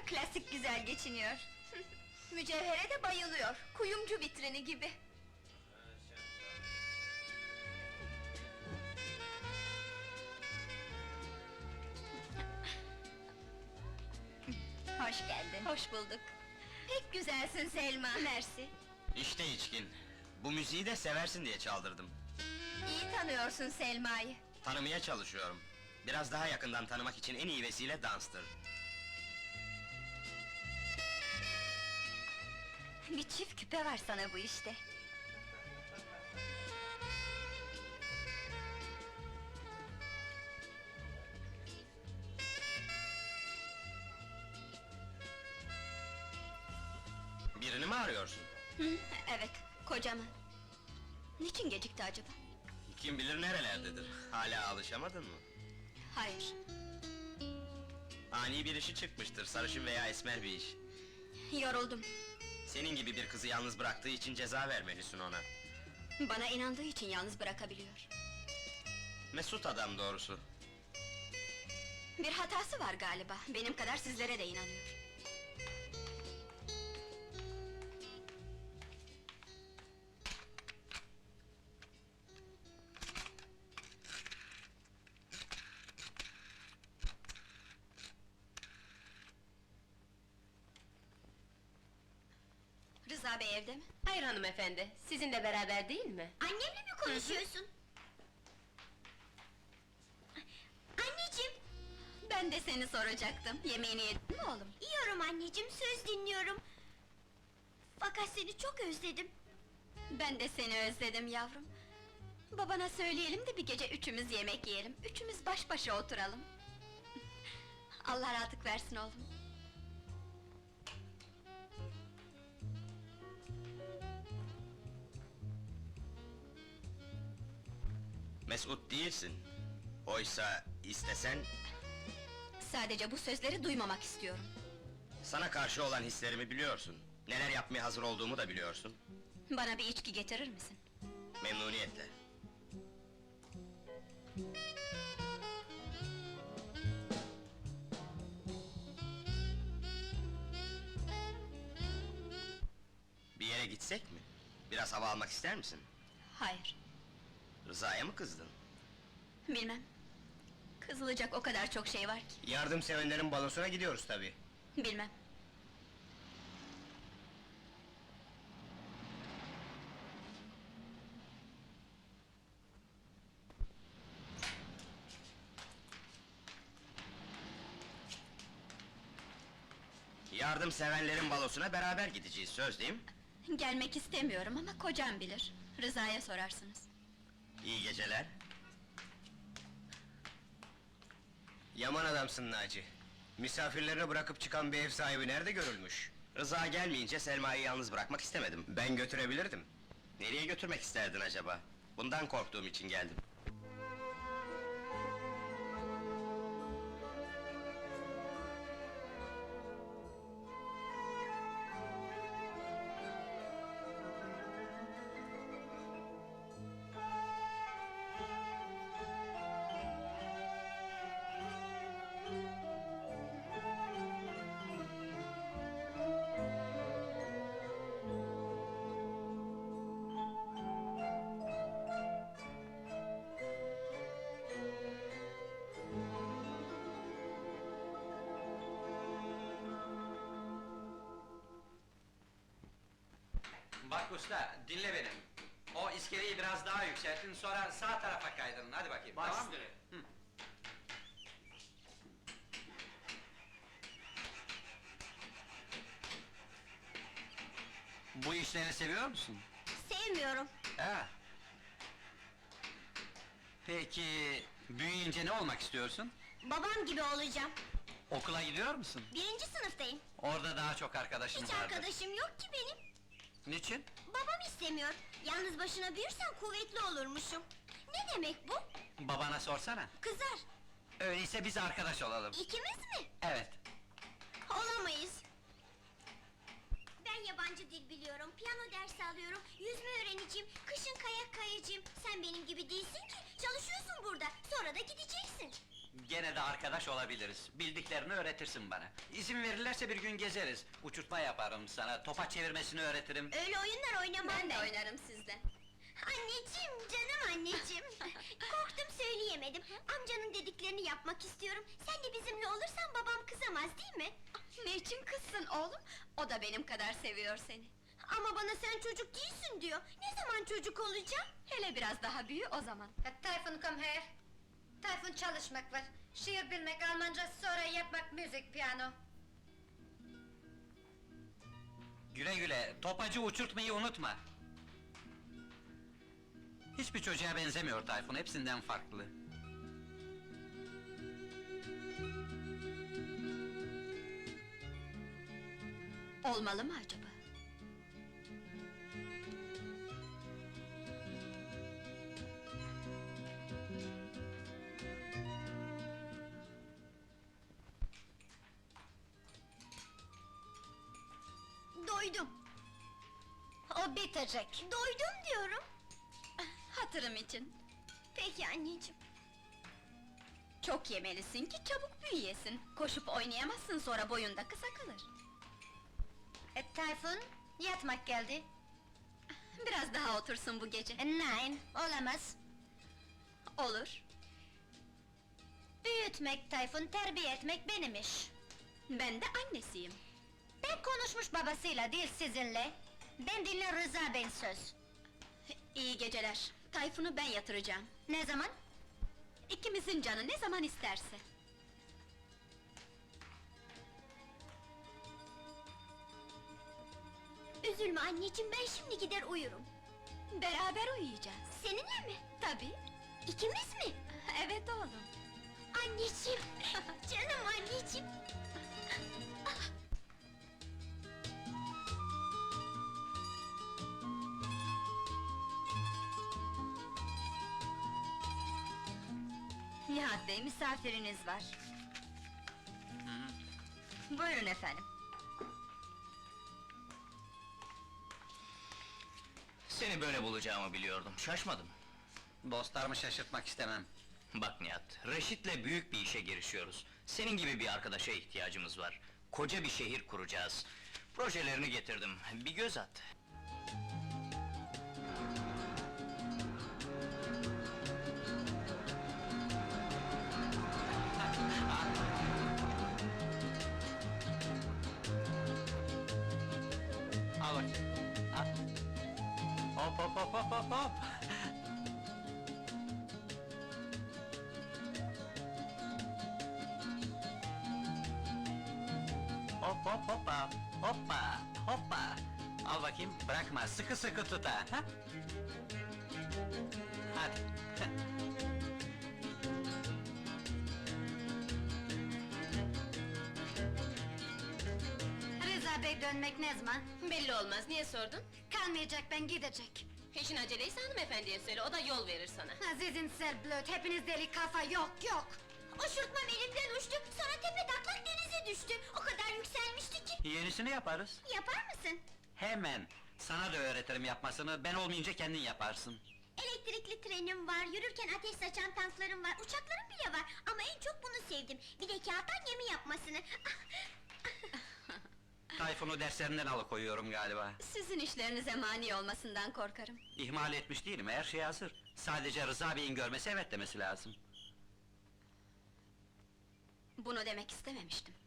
klasik güzel geçiniyor. Mücevhere de bayılıyor, kuyumcu vitrini gibi. Hoş geldin. Hoş bulduk. Pek güzelsin Selma. Mersi. İşte içkin. Bu müziği de seversin diye çaldırdım. İyi tanıyorsun Selma'yı. Tanımaya çalışıyorum. Biraz daha yakından tanımak için en iyi vesile danstır. Bir çift küpe var sana bu işte. Birini mi arıyorsun? Hı, evet, kocamı. Niçin gecikti acaba? Kim bilir nerelerdedir. Hala alışamadın mı? Hayır, Ani bir işi çıkmıştır, sarışın veya esmer bir iş. yoruldum. Senin gibi bir kızı yalnız bıraktığı için ceza vermelisin ona. Bana inandığı için yalnız bırakabiliyor. Mesut adam doğrusu. Bir hatası var galiba, benim kadar sizlere de inanıyor. Rıza Bey evde mi? Hayır hanımefendi, sizinle beraber değil mi? Annemle mi konuşuyorsun? Anneciğim! Ben de seni soracaktım, yemeğini yedin mi oğlum? Yiyorum anneciğim, söz dinliyorum. Fakat seni çok özledim. Ben de seni özledim yavrum. Babana söyleyelim de bir gece üçümüz yemek yiyelim, üçümüz baş başa oturalım. Allah rahatlık versin oğlum. Mesut değilsin. Oysa istesen, Sadece bu sözleri duymamak istiyorum. sana karşı olan hislerimi biliyorsun. Neler yapmaya hazır olduğumu da biliyorsun. Bana bir içki getirir misin? Memnuniyetle. Bir yere gitsek mi? Biraz hava almak ister misin? Hayır, Rıza'ya mı kızdın? bilmem. Kızılacak o kadar çok şey var ki, Yardımsevenlerin balosuna gidiyoruz tabii. bilmem. Yardımsevenlerin balosuna beraber gideceğiz, söz değil mi? Gelmek istemiyorum ama kocam bilir. Rıza'ya sorarsınız. İyi geceler. Yaman adamsın Naci. Misafirlerini bırakıp çıkan bir ev sahibi nerede görülmüş? Rıza gelmeyince Selma'yı yalnız bırakmak istemedim. Ben götürebilirdim. Nereye götürmek isterdin acaba? Bundan korktuğum için geldim. Bak usta, dinle beni. O iskeleyi biraz daha yükseltin, sonra sağ tarafa kaydırın, hadi bakayım, tamam mı? Hı. Bu işleri seviyor musun? Sevmiyorum. Ha. Peki, büyüyünce ne olmak istiyorsun? Babam gibi olacağım. Okula gidiyor musun? 1. sınıftayım. Orada daha çok arkadaşın Hiç vardır. arkadaşım yok ki benim. Niçin? Babam istemiyor. Yalnız başına büyürsen kuvvetli olurmuşum. Ne demek bu? Babana sorsana. Kızar. Öyleyse biz arkadaş olalım. İkimiz mi? Evet. Olamayız. Ben yabancı dil biliyorum, piyano dersi alıyorum, yüzme öğreneceğim, kışın kayak kayacağım. Sen benim gibi değilsin ki, çalışıyorsun burada, sonra da gideceksin. Gene de arkadaş olabiliriz. Bildiklerini öğretirsin bana. İzin verirlerse bir gün gezeriz. Uçurtma yaparım sana, topa çevirmesini öğretirim. Öyle oyunlar oynamam Ben de ben. oynarım sizden. Anneciğim, canım anneciğim. Korktum söyleyemedim. Amcanın dediklerini yapmak istiyorum. Sen de bizimle olursan babam kızamaz değil mi? Niçin kızsın oğlum? O da benim kadar seviyor seni. Ama bana sen çocuk değilsin diyor. Ne zaman çocuk olacağım? Hele biraz daha büyü o zaman. Tayfun come here. Tayfun çalışmak var. Şiir bilmek, Almanca, sonra yapmak, müzik, piyano. Güle güle, topacı uçurtmayı unutma. Hiçbir çocuğa benzemiyor Tayfun, hepsinden farklı. Olmalı mı acaba? Doydum. O bitecek. Doydum diyorum. Hatırım için. Peki anneciğim. Çok yemelisin ki çabuk büyüyesin. Koşup oynayamazsın, sonra boyun da kısa kalır. Tayfun, yatmak geldi. Biraz daha otursun bu gece. Nein, olamaz. Olur. Büyütmek Tayfun, terbiye etmek benim iş. Ben de annesiyim. Ben konuşmuş babasıyla değil sizinle. Ben dinle Rıza Bey söz. İyi geceler. Tayfun'u ben yatıracağım. Ne zaman? İkimizin canı ne zaman isterse. Üzülme anneciğim, ben şimdi gider uyurum. Beraber uyuyacağız. Seninle mi? Tabii. İkimiz mi? Evet oğlum. Anneciğim, canım anneciğim. Nihat Bey, misafiriniz var. Buyurun efendim. Seni böyle bulacağımı biliyordum, şaşmadım. Dostlarımı şaşırtmak istemem. Bak Nihat, Reşit'le büyük bir işe girişiyoruz. Senin gibi bir arkadaşa ihtiyacımız var. Koca bir şehir kuracağız. Projelerini getirdim, bir göz at. Al bakayım. Al. Hop hop hop hop hop hop! Hop hop hoppa, hoppa, hoppa! Al bakayım, bırakma, sıkı sıkı tut ha! Ha? Hadi! Rıza Bey dönmek ne zaman? Belli olmaz, niye sordun? Kalmayacak, ben gidecek. İşin aceleyse hanımefendiye söyle, o da yol verir sana. Azizin Serblöt, hepiniz deli kafa, yok yok! Uçurtmam elimden uçtu, sonra tepe taklak denize düştü. O kadar yükselmişti ki. Yenisini yaparız. Yapar mısın? Hemen! Sana da öğretirim yapmasını, ben olmayınca kendin yaparsın. Elektrikli trenim var, yürürken ateş saçan tanklarım var, uçaklarım bile var. Ama en çok bunu sevdim. Bir de kağıttan gemi yapmasını. Tayfun'u derslerinden alıkoyuyorum galiba. Sizin işlerinize mani olmasından korkarım. İhmal etmiş değilim, her şey hazır. Sadece Rıza Bey'in görmesi evet demesi lazım. Bunu demek istememiştim.